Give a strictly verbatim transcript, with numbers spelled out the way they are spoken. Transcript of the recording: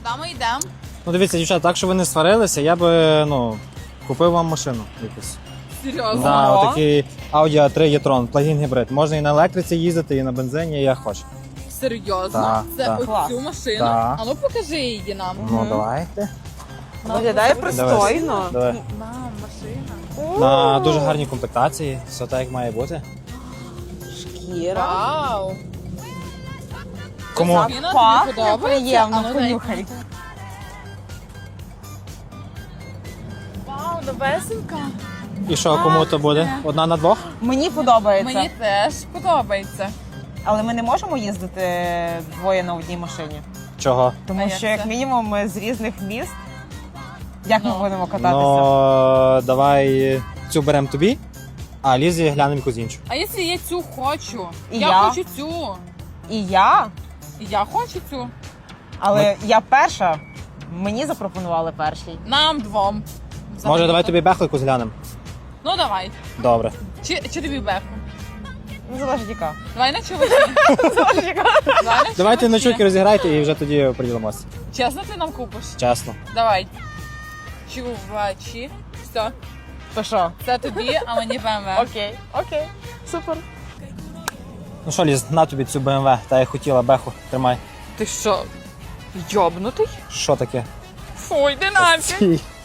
Куди ми йдемо? Ну дивіться, дівчата, так, що ви не сварилися, я би, ну, купив вам машину якусь. Серйозно? Да, Ого. отакий Audi а три e-tron, плагін гібрид. Можна і на електриці їздити, і на бензині, як хочеш. Серйозно? Так, Це так. оцю Клас. машину? Так. А ну покажи її нам. Ну, давайте. Виглядає пристойно. Давай. Мам, машина. На дуже гарній комплектації, все так, як має бути. Шкіра. Вау. Кому? Машина тобі Пахне подобається? приємно, А ну, дай. понюхай. Вау, новесенька. І що, кому то буде? Одна на двох? Мені подобається. Мені теж подобається. Але ми не можемо їздити двоє на одній машині. Чого? Тому А як що, як це? мінімум, ми з різних міст. Як Ну. ми будемо кататися? Ну, давай цю беремо тобі, а Лізі глянемо якусь іншу. А якщо я цю хочу? І я, я. хочу цю. І я, І я хочу цю. але я перша. Мені запропонували перший. Нам двом. Може, Взагалі-то. давай тобі беху якусь глянемо? Ну давай. Добре. Чи, чи тобі беху? Ну, залежить яка. Давай на чувачі. Залежить яка. Давай на Давайте на чувачі. чуки розіграйте і вже тоді приділимося. Чесно ти нам купиш? Чесно. Давай. Чувачі. Все. То що? Це тобі, а мені БМВ. Окей, окей, супер. Ну що, Ліз, на тобі цю Б М В, та я хотіла, беху, тримай. Ти що, йобнутий? Що таке? Фу, йди нафіг. Стій.